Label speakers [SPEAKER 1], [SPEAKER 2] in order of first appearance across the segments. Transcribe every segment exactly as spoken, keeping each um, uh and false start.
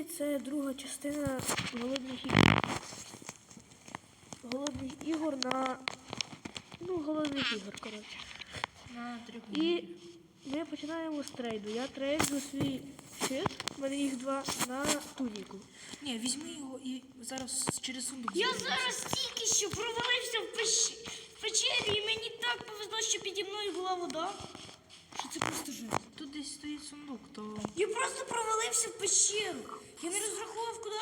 [SPEAKER 1] Сьогодні це друга частина голодних ігор. Голодних ігор на... Ну, голодних ігор, коротше.
[SPEAKER 2] На трьох.
[SPEAKER 1] І ми починаємо з трейду. Я трейду свій щит, в мене їх два, на туніку.
[SPEAKER 2] Ні, візьми його і зараз через сундук.
[SPEAKER 3] Я
[SPEAKER 2] заберемо.
[SPEAKER 3] зараз тільки що провалився в, пещ... в печері, і мені так повезло, що піді мною була вода. Що це просто жесть.
[SPEAKER 2] Тут десь стоїть сундук, то...
[SPEAKER 3] Я просто провалився в пещеру. Я не розрахував, куди.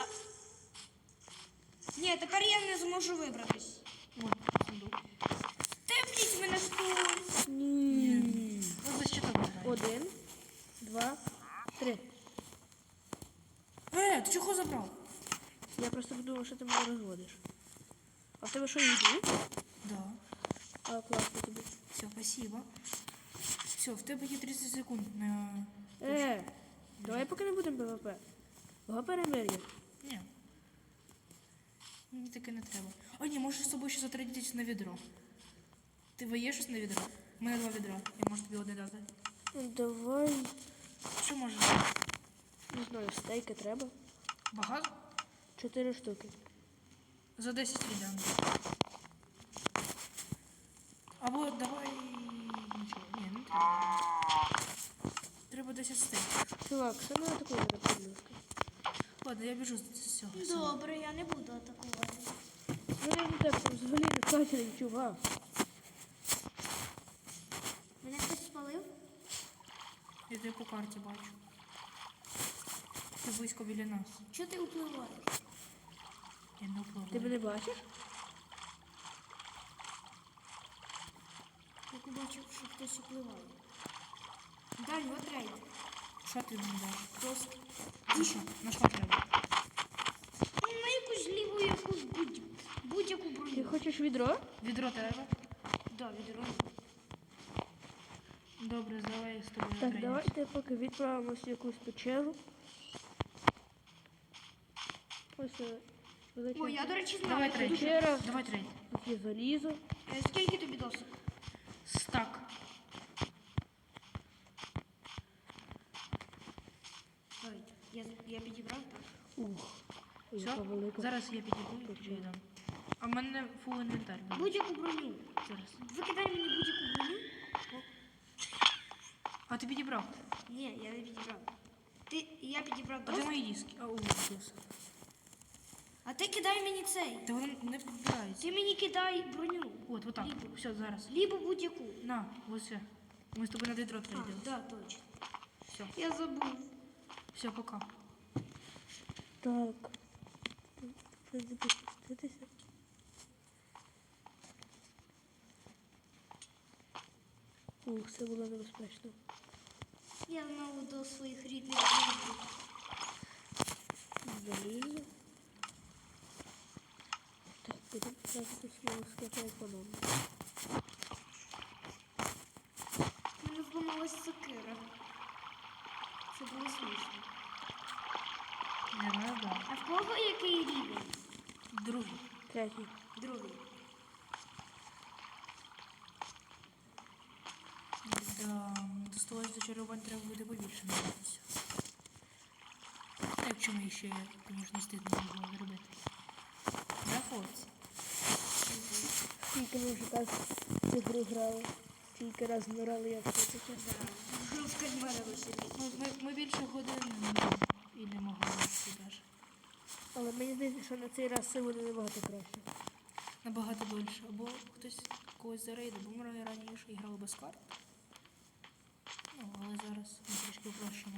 [SPEAKER 3] Ні, тепер я не зможу вибратись.
[SPEAKER 2] Ой, сундук.
[SPEAKER 3] Тепліть мене хтось.
[SPEAKER 1] Ні.
[SPEAKER 2] Ну, за щитом грає.
[SPEAKER 1] Один, два, три.
[SPEAKER 2] Е, ти чого забрав?
[SPEAKER 1] Я просто подумав, що ти мене розводиш. А в тебе що, їду?
[SPEAKER 2] Да.
[SPEAKER 1] А, класно тобі.
[SPEAKER 2] Все, спасибо. Все, в тебе є тридцять секунд на...
[SPEAKER 1] Е, давай поки не будемо ПВП. Ого, перемир'я.
[SPEAKER 2] Ні. Мені таке не треба. А ні, можеш з собою ще затрудитись на відро. Ти є щось на відро? У мене два відра. Я можу тобі одне дати.
[SPEAKER 1] Ну, давай,
[SPEAKER 2] Що можеш?
[SPEAKER 1] не знаю, стейки треба.
[SPEAKER 2] Багато?
[SPEAKER 1] Чотири штуки.
[SPEAKER 2] За десять віддам. Або давай... Нічого. Ні, не треба. Треба десять стейків.
[SPEAKER 1] Чувак, що не атакує мене, будь ласка.
[SPEAKER 2] Ладно, я біжу з цього.
[SPEAKER 3] Добре, я не буду атакувати.
[SPEAKER 1] Ну, я не так, там взагалі не качелень, чувак.
[SPEAKER 3] Мене хтось спалив?
[SPEAKER 2] Я тебе по карті бачу. Ти близько біля нас.
[SPEAKER 3] Чого ти впливаєш?
[SPEAKER 2] Я не впливаю.
[SPEAKER 1] Ти мене бачиш?
[SPEAKER 3] Я побачив, що хтось впливає. Дань, от рейд.
[SPEAKER 2] Що ти мені даш? Просто. Ну що, на що треба?
[SPEAKER 3] Ну, на якусь ліву, якусь будь... будь-яку
[SPEAKER 1] Ти
[SPEAKER 3] броню.
[SPEAKER 1] хочеш відро?
[SPEAKER 2] Відро треба?
[SPEAKER 3] Да, відро.
[SPEAKER 2] Добре, давай я з тобою
[SPEAKER 1] Так,
[SPEAKER 2] тренуюсь.
[SPEAKER 1] давайте поки відправимося в якусь печеру. Ось е, величезна
[SPEAKER 3] Ой, я, до речі, знаю.
[SPEAKER 2] Давай трейд.
[SPEAKER 1] печера,
[SPEAKER 2] Давай трейд.
[SPEAKER 1] тут є залізо.
[SPEAKER 3] Е, Скільки тобі досить?
[SPEAKER 2] Стак.
[SPEAKER 3] Ой, я, я підібрав.
[SPEAKER 1] Ух, яка
[SPEAKER 2] Все?
[SPEAKER 1] велика.
[SPEAKER 2] Зараз я підійду і тобі дам. А в мене фул інвентар. буде.
[SPEAKER 3] Будь-яку броню.
[SPEAKER 2] Зараз.
[SPEAKER 3] Викидай мені будь-яку броню.
[SPEAKER 2] А ти підібрав?
[SPEAKER 3] Ні, я не підібрав. Ти, я підібрав
[SPEAKER 2] А де
[SPEAKER 3] досить.
[SPEAKER 2] мої диски? А, о, досить.
[SPEAKER 3] А ти кидай мені цей.
[SPEAKER 2] Та воно не підбирається.
[SPEAKER 3] Ти мені кидай броню.
[SPEAKER 2] От, отак.
[SPEAKER 3] Лібо.
[SPEAKER 2] Все, зараз.
[SPEAKER 3] Лібо будь-яку.
[SPEAKER 2] На, ось все. Ми з тобою на відро
[SPEAKER 3] А,
[SPEAKER 2] трейдили.
[SPEAKER 3] да, точно.
[SPEAKER 2] Все.
[SPEAKER 3] Я забув.
[SPEAKER 2] Все, пока.
[SPEAKER 1] Так. Треба запуститися. Ух, це було небезпечно.
[SPEAKER 3] Я знову до своїх рідних друзів.
[SPEAKER 1] Залізо. Так, будемо тратити свого скlepа економно.
[SPEAKER 3] У мене зламалась сокира. Це було смішно.
[SPEAKER 2] Не треба.
[SPEAKER 3] А в кого який рівень?
[SPEAKER 2] Другий.
[SPEAKER 1] Третій.
[SPEAKER 3] Другий.
[SPEAKER 2] Да, до столу зачарувань треба буде побільше набратися. А якщо ми ще, звісно, стидно не було зробити. Да, хлопці?
[SPEAKER 1] Скільки ми вже так цю гру грали. Скільки раз вмирали, як це таке.
[SPEAKER 3] Жовтка з мене висить.
[SPEAKER 2] Ми, ми, ми більше години і не могли навіть.
[SPEAKER 1] Але мені здається, що на цей раз все буде набагато краще.
[SPEAKER 2] Набагато більше. Або хтось когось зарейдив, бо ми раніше грали без карт. Ну, але зараз ми трішки упрощено.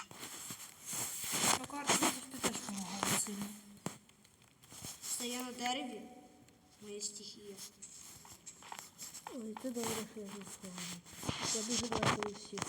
[SPEAKER 2] Ну, карти завжди теж допомагали сильно.
[SPEAKER 3] Стає на дереві. Моя стихія.
[SPEAKER 1] Ой, це добре, що я не схований. Я дуже далеко від всіх.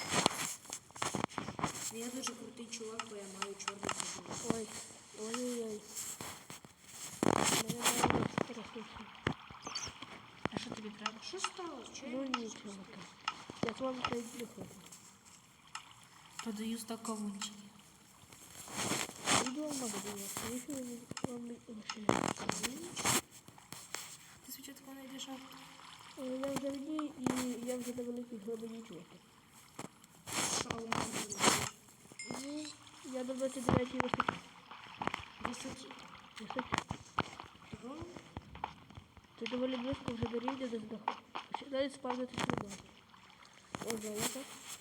[SPEAKER 3] Я дуже крутий чувак, бо я маю чорний футбол.
[SPEAKER 1] Ой, ой-ой-ой. Мене мало пересушено.
[SPEAKER 2] А що тобі треба?
[SPEAKER 3] Що сталося? Чого
[SPEAKER 1] Ну
[SPEAKER 3] я не
[SPEAKER 1] нічого. Я з вами трейд не хочу.
[SPEAKER 2] Продаю стак кавунчиків.
[SPEAKER 1] Іду в магазин, навіщо ви вам лишили?
[SPEAKER 2] Ти спочатку знайдеш авто.
[SPEAKER 1] Я вже в ній і я вже на великій глибині чувака.
[SPEAKER 3] Що у мене?
[SPEAKER 1] Ну, Я до двадцять дев'ятій висоті.
[SPEAKER 3] Висоті.
[SPEAKER 1] Висоті.
[SPEAKER 3] Того.
[SPEAKER 1] Це доволі близько вже до рівня, де здоху. Починає спавнити сліда. О, золото.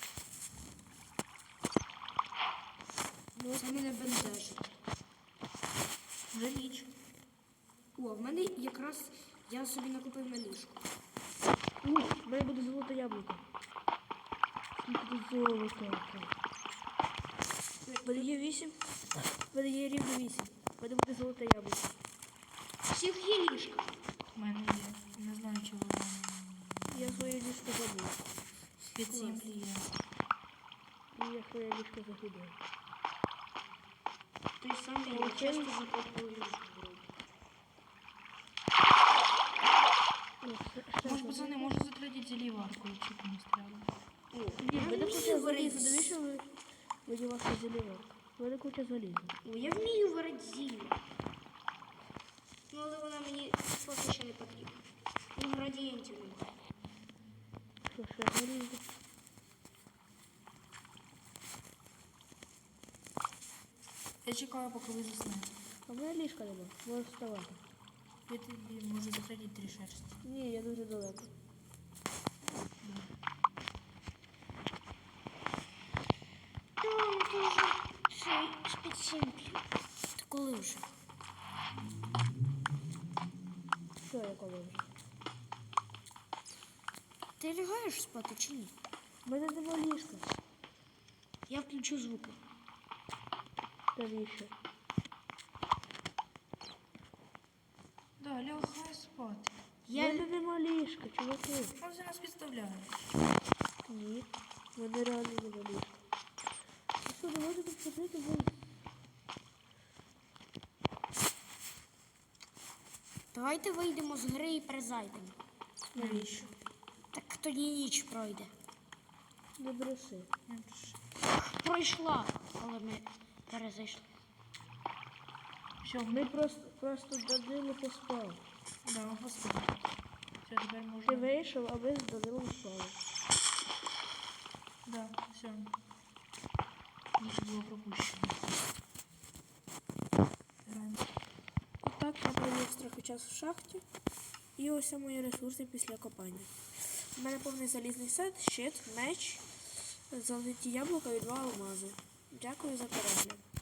[SPEAKER 3] Ну, це мене бентежить.
[SPEAKER 2] Вже ніч.
[SPEAKER 3] О, в мене якраз я собі накупив на ліжку.
[SPEAKER 1] У, в мене буде золоте яблуко. Скільки тут золота. В мене є вісім. В мене є рівно вісім. В мене буде золоте яблуко.
[SPEAKER 3] Всіх є ліжка.
[SPEAKER 2] У мене є. Не знаю, чи воно
[SPEAKER 1] Я своє ліжко забув.
[SPEAKER 2] під землі є.
[SPEAKER 1] І я своє ліжко загубив.
[SPEAKER 3] Той самий я часто закопую ліжку.
[SPEAKER 1] О, ще- ще
[SPEAKER 2] Може,
[SPEAKER 1] одне.
[SPEAKER 2] пацани, може затратити зеліварку, якщо комусь треба.
[SPEAKER 1] Ні, в мене куча
[SPEAKER 3] вмію
[SPEAKER 1] заліза.
[SPEAKER 3] варити.
[SPEAKER 1] Навіщо ви мені ваша залізарка? В мене куча заліза.
[SPEAKER 3] О, я вмію варити зілля. Ну, але вона мені поки ще не потрібна. Інгредієнтів немає.
[SPEAKER 1] Що, ще заліза?
[SPEAKER 2] Я чекаю, поки ви заснете.
[SPEAKER 1] А в мене ліжка нема. Можеш вставати.
[SPEAKER 2] Я тобі можу затратити три шерсті.
[SPEAKER 1] Ні, я дуже далеко.
[SPEAKER 3] Та, ну то вже ще з-під сімплі. Та коли вже?
[SPEAKER 1] Що я коли вже?
[SPEAKER 3] Ти лягаєш спати чи ні?
[SPEAKER 1] В мене нема ліжка.
[SPEAKER 3] Я включу звуки.
[SPEAKER 1] Навіщо?
[SPEAKER 2] Да, лягай спати.
[SPEAKER 1] В
[SPEAKER 3] Я...
[SPEAKER 1] мене нема ліжка, чуваки.
[SPEAKER 2] Що за нас підставляє?
[SPEAKER 1] Ні. В мене реально нема ліжка. Ну що, давайте тут ходити вниз.
[SPEAKER 3] Давайте вийдемо з гри і перезайдемо.
[SPEAKER 2] Навіщо?
[SPEAKER 3] Так тоді ніч пройде.
[SPEAKER 1] Не бреши.
[SPEAKER 2] Не пиши.
[SPEAKER 3] Пройшла, але ми перезайшли.
[SPEAKER 2] Все,
[SPEAKER 1] Ми просто, просто з Данилом поспали.
[SPEAKER 2] Да, ми поспали. Все, тепер
[SPEAKER 1] Ти
[SPEAKER 2] можна.
[SPEAKER 1] вийшов, а ми з Данилом спали.
[SPEAKER 2] Да, все. Ніч було пропущено. Реально.
[SPEAKER 1] Так, я провів трохи час в шахті. І ось мої ресурси після копання. У мене повний залізний сет, щит, меч, золоті яблука і два алмази. Дякую за перегляд.